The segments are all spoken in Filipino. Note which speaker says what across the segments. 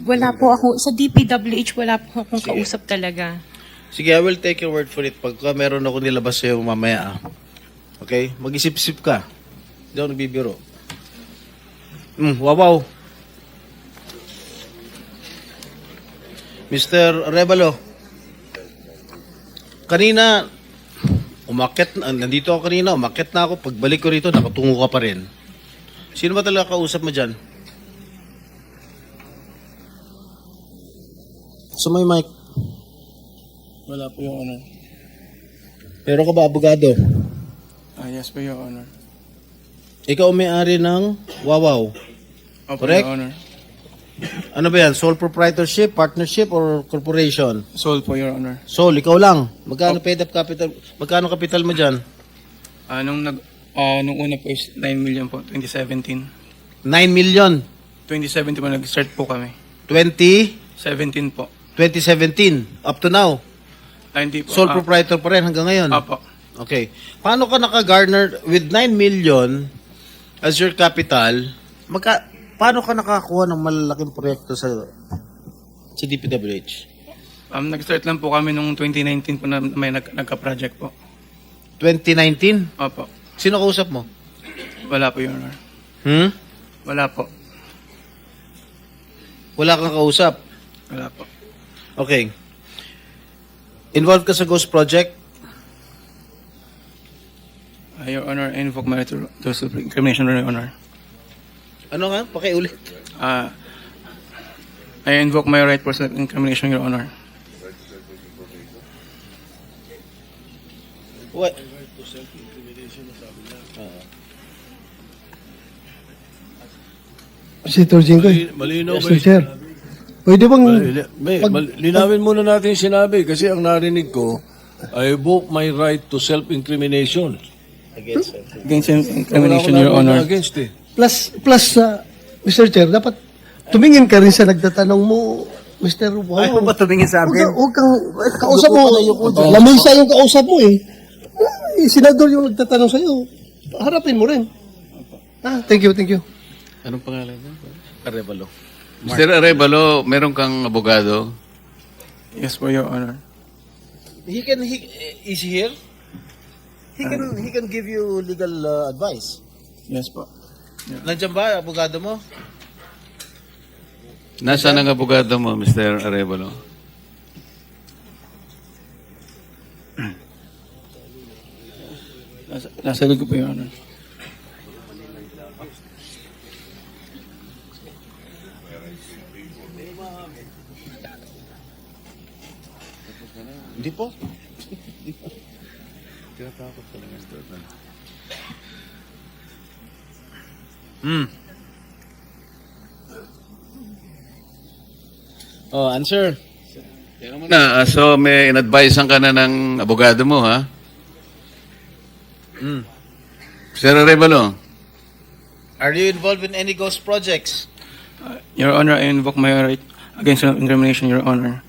Speaker 1: Wala po ako, sa DPWH wala po akong kausap talaga.
Speaker 2: Sige, I will take your word for it. Pagka meron ako nilabas sa'yo mamaya, okay? Mag-isip-isip ka. Hindi ako nagbibiro. Wawaw. Mr. Revalo, kanina, nandito ako kanina, umakyat na ako. Pagbalik ko rito, nakatungo ka pa rin. Sino ba talaga kausap mo dyan? So may mic.
Speaker 3: Wala po, Your Honor.
Speaker 2: Pero ka ba abogado?
Speaker 3: Yes po, Your Honor.
Speaker 2: Ikaw ang may-ari ng Wawaw.
Speaker 3: Opo,
Speaker 2: Correct?
Speaker 3: Your Honor.
Speaker 2: Ano ba yan? Sole proprietorship, partnership, or corporation?
Speaker 3: Sold po, Your Honor.
Speaker 2: Sole, ikaw lang. Magkano paid up capital? Magkano capital mo dyan?
Speaker 3: Nung una po is 9 million po, 2017.
Speaker 2: 9 million.
Speaker 3: 2017 po, nag-start po kami.
Speaker 2: 2017.
Speaker 3: 17 po.
Speaker 2: Up to now.
Speaker 3: Hindi po.
Speaker 2: Sole proprietor pa rin hanggang ngayon.
Speaker 3: Opo.
Speaker 2: Okay. Paano ka naka-garner with 9 million as your capital? Paano ka nakakuha ng malalaking proyekto sa DPWH?
Speaker 3: Nag-start lang po kami nung 2019 po na may nagka-project po.
Speaker 2: 2019?
Speaker 3: Opo.
Speaker 2: Sino kausap mo?
Speaker 3: Wala po, Your Honor. Wala po.
Speaker 2: Wala kang kausap?
Speaker 3: Wala po.
Speaker 2: Okay. Involved ka sa Ghost Project?
Speaker 3: Your Honor, I invoke my right to self-incrimination, Your Honor.
Speaker 2: Ano nga? Pakiulit.
Speaker 3: I invoke my right for self-incrimination, Your Honor.
Speaker 2: What?
Speaker 4: Senator Jinggoy.
Speaker 5: Malinaw ba
Speaker 4: Mr. Chair. Pwede bang...
Speaker 5: linawin muna natin yung sinabi kasi ang narinig ko, I invoke my right to self-incrimination.
Speaker 2: Against
Speaker 3: Against
Speaker 5: Wala ko
Speaker 3: self-incrimination, Your
Speaker 5: narinig na
Speaker 3: Honor.
Speaker 5: against eh.
Speaker 4: Plus, Mr. Chair, dapat tumingin ka rin sa nagtatanong mo, Mr. Wow.
Speaker 2: Ayaw ba tumingin sa akin?
Speaker 4: Huwag kang, kausap mo, lamisa yung kausap mo eh. Senador yung nagtatanong sa'yo. Harapin mo rin. Thank you.
Speaker 2: Anong pangalan niya? Arevalo.
Speaker 6: Mr. Arevalo, meron kang abogado?
Speaker 3: Yes po, Your Honor.
Speaker 2: Is he here? He can give you legal advice.
Speaker 3: Yes po.
Speaker 2: Nandiyan ba, abogado mo?
Speaker 6: Nasaan ang abogado mo, Mr. Arevalo?
Speaker 3: Nasa likod po, Your Honor.
Speaker 2: Hindi po. Answer.
Speaker 6: So may in-advisean ka na ng abogado mo, ha? Mr. Arevalo,
Speaker 2: Are you involved in any ghost projects?
Speaker 3: Your Honor, I invoke my right against self-incrimination, Your Honor.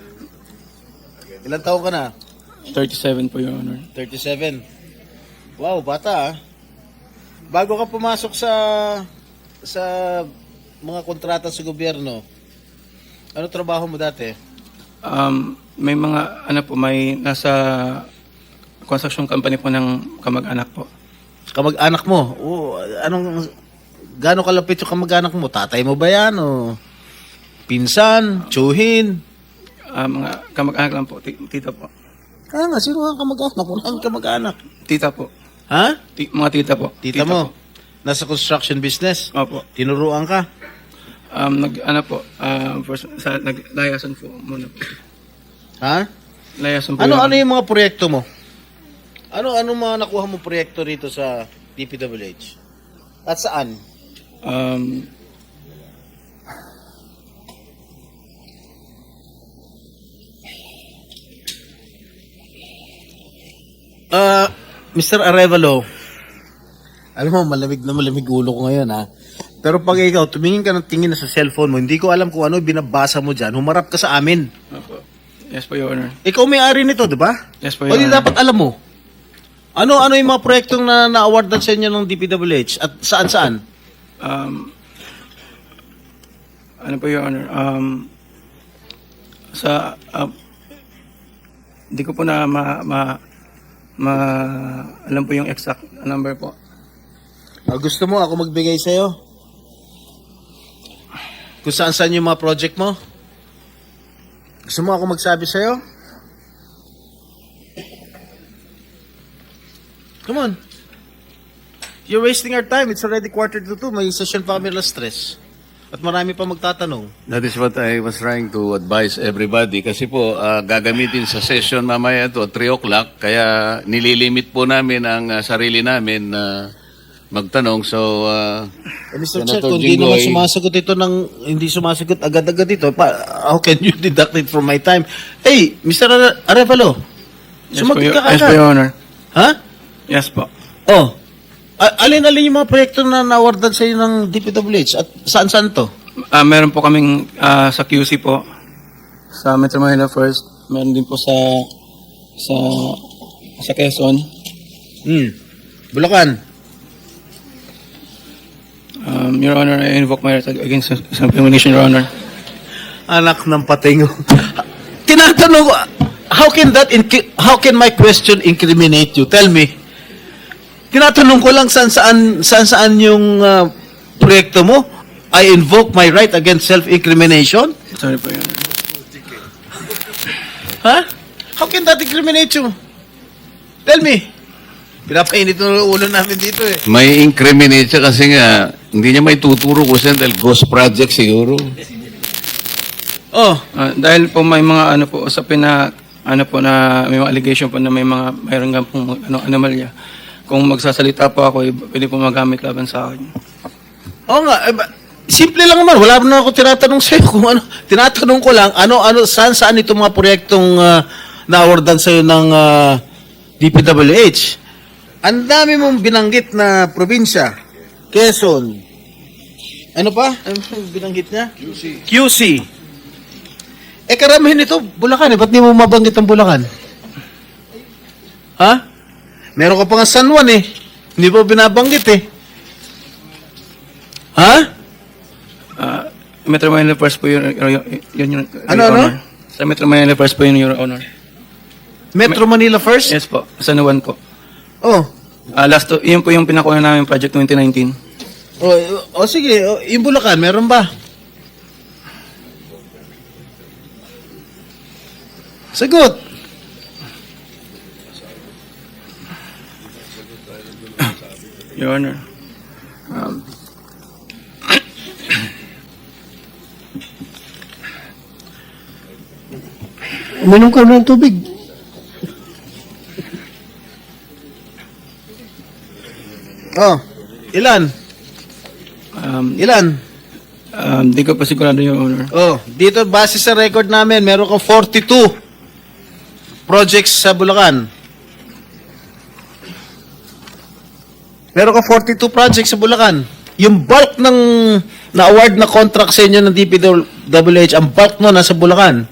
Speaker 2: Ilan taon ka na?
Speaker 3: 37 po, Your Honor.
Speaker 2: 37. Wow, bata ah. Bago ka pumasok sa mga kontrata sa gobyerno, ano trabaho mo dati?
Speaker 3: May mga, may nasa construction company po ng kamag-anak po.
Speaker 2: Kamag-anak mo? Gano'ng kalapit yung kamag-anak mo? Tatay mo ba yan? O pinsan? Tsuhin?
Speaker 3: Mga kamag-anak lang po, tita po.
Speaker 2: Nga, sino ang kamag-anak? Wala ang kamag-anak.
Speaker 3: Tita po.
Speaker 2: Ha?
Speaker 3: Mga tita po.
Speaker 2: Tita mo? Nasa construction business?
Speaker 3: Opo.
Speaker 2: Tinuruan ka?
Speaker 3: Naglayasan po muna po.
Speaker 2: Ha?
Speaker 3: Layasan po.
Speaker 2: Ano yung mga proyekto mo? Ano mga nakuha mo proyekto rito sa DPWH? At saan? Mr. Arevalo, alam mo, malamig ulo ko ngayon ha. Pero pag ikaw, tumingin ka ng tingin na sa cellphone mo, hindi ko alam kung ano binabasa mo dyan, humarap ka sa amin.
Speaker 3: Opo. Yes po, Your Honor.
Speaker 2: Ikaw may-ari nito, di ba?
Speaker 3: Yes po,
Speaker 2: O
Speaker 3: Your
Speaker 2: di
Speaker 3: Honor.
Speaker 2: dapat alam mo. Ano yung mga proyektong na-awardan sa inyo ng DPWH at saan-saan?
Speaker 3: ano po, Your Honor, hindi ko po na alam po yung exact number po.
Speaker 2: Gusto mo ako magbigay sa'yo? Kung saan yung mga project mo? Gusto mo ako magsabi sa'yo? Come on. You're wasting our time. It's already 1:45. May session pa kami alas 3. At marami pa magtatanong.
Speaker 6: That is what I was trying to advise everybody. Kasi po, gagamitin sa session mamaya to 3 o'clock. Kaya nililimit po namin ang sarili namin na magtanong. So,
Speaker 2: Mr. Chair,
Speaker 6: Senator
Speaker 2: kung hindi naman
Speaker 6: Jinggoy.
Speaker 2: sumasagot ito hindi sumasagot agad-agad ito, how can you deduct it from my time? Hey, Mr. Arevalo, sumagot ka
Speaker 3: Yes po,
Speaker 2: agad.
Speaker 3: Your Honor.
Speaker 2: Ha?
Speaker 3: Yes po.
Speaker 2: Oh. Alin-alin yung mga proyekto na nawardan sa iyo ng DPWH at saan-saan to?
Speaker 3: Meron po kaming sa QC po, sa Metro Manila First. Meron din po sa Quezon.
Speaker 2: Bulacan.
Speaker 3: Your Honor, I invoke my right against self-incrimination, Your Honor.
Speaker 2: Anak ng patingo. Tinatanong ko, how can my question incriminate you? Tell me. Tinatanong ko lang saan yung proyekto mo? I invoke my right against self-incrimination?
Speaker 3: Sorry po, Your Honor.
Speaker 2: Ha? How can that incriminate you? Tell me. Pinapainit ng ulo namin dito eh.
Speaker 6: may incriminate siya kasi nga, hindi niya may tuturo ko siya dahil ghost project siguro.
Speaker 2: Oh,
Speaker 3: Dahil po may mga usapin na na may mga allegation po na mayroon nga pong anomalya. Kung magsasalita po ako, pwede po magamit laban sa akin.
Speaker 2: oo nga. Simple lang naman. Wala na ako tinatanong sa'yo kung ano. Tinatanong ko lang, saan itong mga proyektong na-awardan sa'yo ng DPWH. Ang dami mong binanggit na probinsya. Quezon. Ano pa? Ano binanggit niya? QC. Karamihan ito, Bulacan. Ba't di mo mabanggit ang Bulacan? Ha? Meron ka pa nga San Juan eh. Hindi mo binabanggit eh. Ha?
Speaker 3: Metro Manila First po yun, Your
Speaker 2: Ano?
Speaker 3: Honor. Sa Metro Manila First po yun, Your Honor.
Speaker 2: Metro Manila first?
Speaker 3: Yes po, San Juan po.
Speaker 2: Oh.
Speaker 3: Yun po yung pinakuha namin project 2019.
Speaker 2: Sige. Yung Bulacan, meron ba? Sagot.
Speaker 3: Your Honor.
Speaker 4: Uminom ka ng tubig.
Speaker 2: Oh. Ilan? Ilan?
Speaker 3: Di ko pa sigurado, Your Honor.
Speaker 2: Oh, dito base sa record namin, meron kang 42 projects sa Bulacan. Meron kang 42 projects sa Bulacan. Yung bulk ng na-award na contract sa inyo ng DPWH, ang bulk no nasa Bulacan.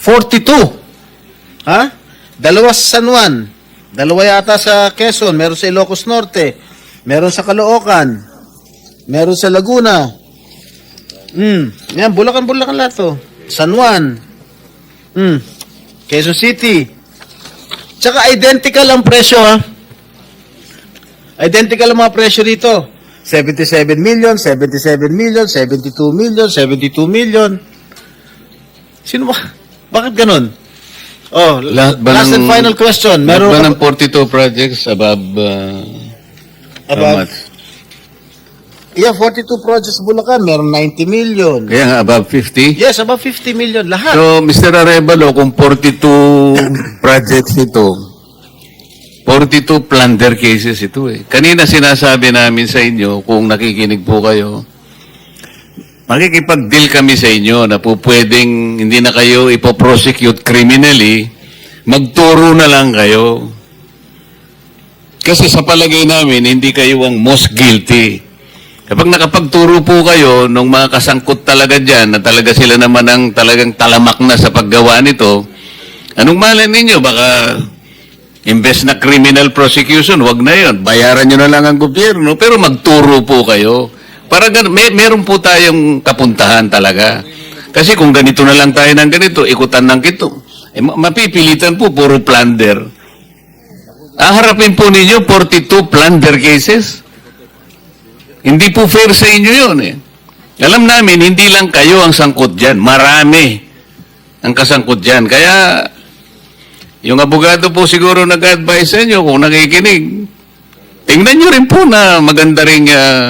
Speaker 2: 42. Ha? Dalawa sa San Juan. Dalawa yata sa Quezon. Meron sa Ilocos Norte. Meron sa Caloocan. Meron sa Laguna. Yan, Bulacan lahat to. San Juan. Quezon City. Tsaka identical ang presyo, ha? Identical ang mga presyo dito. 77 million, 77 million, 72 million, 72 million. Sino ba? Bakit ganun? Oh,
Speaker 6: Lahat ba
Speaker 2: last and
Speaker 6: ng-
Speaker 2: final question.
Speaker 6: Meron
Speaker 2: Meron
Speaker 6: ba ng 42 projects above, how
Speaker 2: Above?
Speaker 6: much?
Speaker 2: Yeah, 42 projects sa Bulacan. Meron 90 million.
Speaker 6: Kaya nga, above 50?
Speaker 2: Yes, above 50 million. Lahat.
Speaker 6: So, Mr. Arevalo, kung 42 projects ito, 42 plunder cases ito eh. Kanina sinasabi namin sa inyo, kung nakikinig po kayo, makikipag-deal kami sa inyo na po pwedeng hindi na kayo ipoprosecute criminally, magturo na lang kayo. Kasi sa palagay namin, hindi kayo ang most guilty. Kapag nakapagturo po kayo nung mga kasangkot talaga dyan, na talaga sila naman ang talagang talamak na sa paggawa nito, anong malay ninyo? Baka imbes na criminal prosecution, wag na yon. Bayaran nyo na lang ang gobyerno, pero magturo po kayo Para meron po tayong kapuntahan talaga. Kasi kung ganito na lang tayo ng ganito, ikutan ng kito, mapipilitan po, puro plunder. Harapin po ninyo 42 plunder cases. Hindi po fair sa inyo yun eh. Alam namin, hindi lang kayo ang sangkot dyan. Marami ang kasangkot dyan. Kaya, yung abogado po siguro nag-advise sa inyo kung nakikinig. Tingnan nyo rin po na maganda rin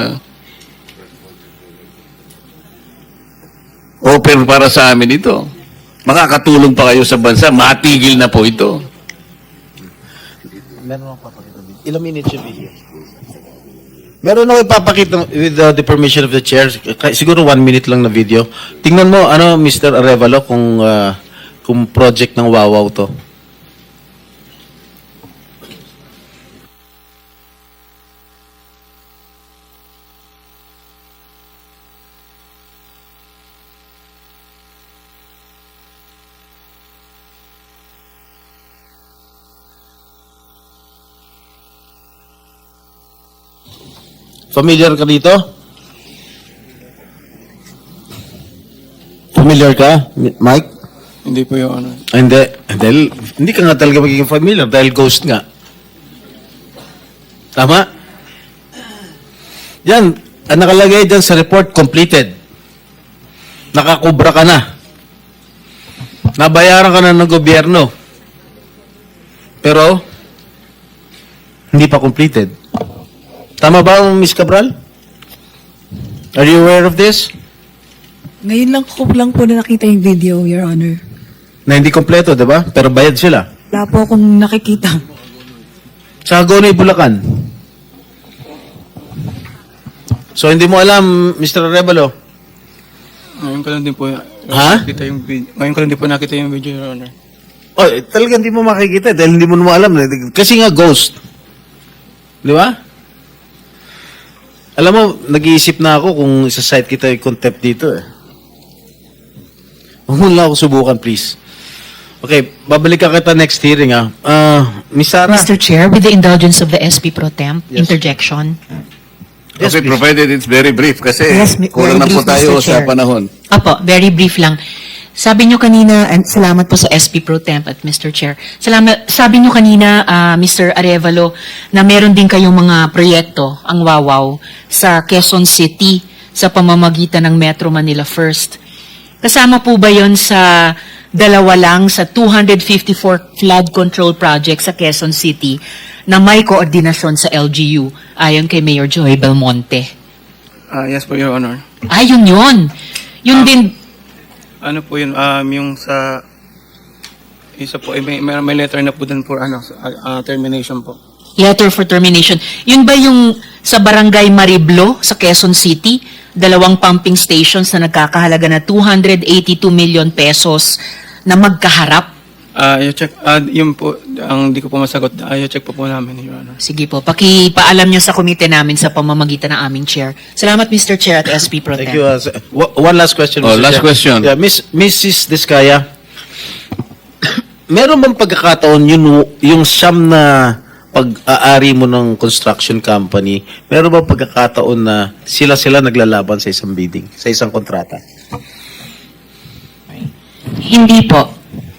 Speaker 6: offer para sa amin ito. Makakatulong pa kayo sa bansa. Matigil na po ito.
Speaker 2: Ilang minutes yung video? Meron ako ipapakita with the permission of the chair. Siguro 1 minute lang na video. Tingnan mo, Mr. Arevalo, kung project ng Wawaw to. Familiar ka dito? Familiar ka, Mike?
Speaker 3: Hindi po, Your Honor.
Speaker 2: Hindi. Dahil, hindi ka nga talaga magiging familiar dahil ghost nga. Tama? Yan, ang nakalagay dyan sa report, completed. Nakakubra ka na. Nabayaran ka na ng gobyerno. Pero, hindi pa completed. Tama ba, Ms. Cabral? Are you aware of this?
Speaker 7: Ngayon lang po na nakita yung video, Your Honor.
Speaker 2: Na hindi kompleto, di ba? Pero bayad sila.
Speaker 7: Wala po akong nakikita.
Speaker 2: Sa Hagonoy, Bulacan. So, hindi mo alam, Mr. Arevalo?
Speaker 3: Ngayon ko lang din po
Speaker 2: Ha?
Speaker 3: nakita yung video. Ngayon ko lang din po nakita yung video, Your Honor.
Speaker 2: Oh, talagang hindi mo makikita dahil hindi mo naman alam. Kasi nga, ghost. Di ba? Alam mo, nag-iisip na ako kung isa-site kita yung contempt dito eh. Huwag mo lang ako subukan, please. Okay, babalik ka kita next hearing Miss Sarah.
Speaker 1: Mr. Chair, with the indulgence of the SP Pro Temp, interjection.
Speaker 2: Yes,
Speaker 6: Okay,
Speaker 2: please.
Speaker 6: provided it's very brief kasi
Speaker 7: Yes,
Speaker 6: kulang na
Speaker 7: very
Speaker 6: po
Speaker 7: brief,
Speaker 6: tayo
Speaker 7: Mr.
Speaker 6: sa
Speaker 7: Chair.
Speaker 6: panahon.
Speaker 1: Apo, very brief lang. Sabi nyo kanina, and salamat po sa SP Pro Temp at Mr. Chair. Sabi nyo kanina, Mr. Arevalo, na meron din kayong mga proyekto, ang Wawaw, sa Quezon City sa pamamagitan ng Metro Manila First. Kasama po ba yon sa dalawa lang sa 254 flood control project sa Quezon City na may koordinasyon sa LGU ayon kay Mayor Joy Belmonte?
Speaker 3: Yes po, Your Honor.
Speaker 1: Ayun yun. Yun din.
Speaker 3: Ano po yun, yung sa isa po, may letter na po dun for termination po.
Speaker 1: Letter for termination. Yun ba yung sa Barangay Mariblo sa Quezon City? 2 pumping stations na nagkakahalaga na 282 million pesos na magkaharap?
Speaker 3: I-check, yun po, ang di ko po masagot, i-check po namin, Your Honor.
Speaker 1: Sige po, pakipaalam nyo sa komite namin sa pamamagitan ng aming chair. Salamat, Mr. Chair at SP Pro Tem.
Speaker 2: Thank you. One last question,
Speaker 6: Oh,
Speaker 2: Mr.
Speaker 6: last
Speaker 2: Chair.
Speaker 6: question.
Speaker 2: Yeah, Mrs. Diskaya, meron bang pagkakataon yung siyam na pag-aari mo ng construction company, meron bang pagkakataon na sila naglalaban sa isang bidding, sa isang kontrata?
Speaker 1: Hindi po.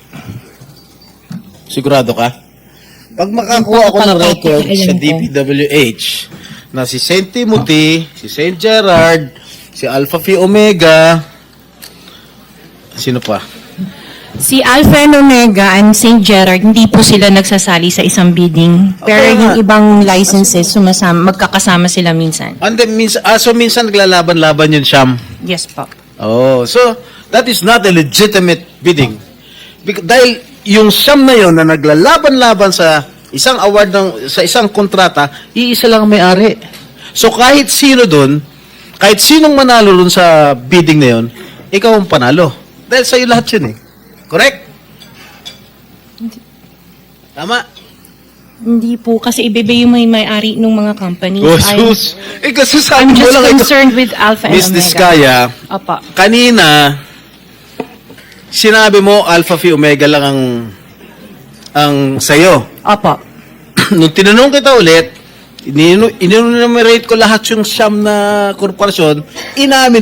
Speaker 2: Sigurado ka? Pag makakuha ako ng record sa DPWH na si St. Timothy, si St. Gerard, si Alpha Phi Omega, sino pa?
Speaker 8: Si Alpha and Omega and St. Gerard, hindi po sila nagsasali sa isang bidding. Pero
Speaker 2: Okay,
Speaker 8: yung
Speaker 2: nga.
Speaker 8: ibang licenses, magkakasama sila minsan.
Speaker 2: And then, so minsan naglalaban-laban yun, Sham.
Speaker 8: Yes po.
Speaker 2: Oh, so that is not a legitimate bidding. Dahil yung siyam na yun na naglalaban-laban sa isang award sa isang kontrata, iisa lang ang may-ari. So kahit sino doon, kahit sinong manalo doon sa bidding na yun, ikaw ang panalo. Dahil sa'yo lahat yun eh. Correct? Tama?
Speaker 8: Hindi po, kasi ibebe yung may-ari ng mga companies.
Speaker 2: Oh, sus! Kasi sabi
Speaker 8: I'm
Speaker 2: mo
Speaker 8: just
Speaker 2: lang ito.
Speaker 8: concerned with Alpha and
Speaker 2: Miss
Speaker 8: Omega.
Speaker 2: Diskaya,
Speaker 8: Opo.
Speaker 2: kanina, sinabi mo Alpha Phi Omega lang ang sa'yo.
Speaker 8: Opo.
Speaker 2: Nung tinanong kita ulit, inunumerate ko lahat yung siyam na korporasyon, inamin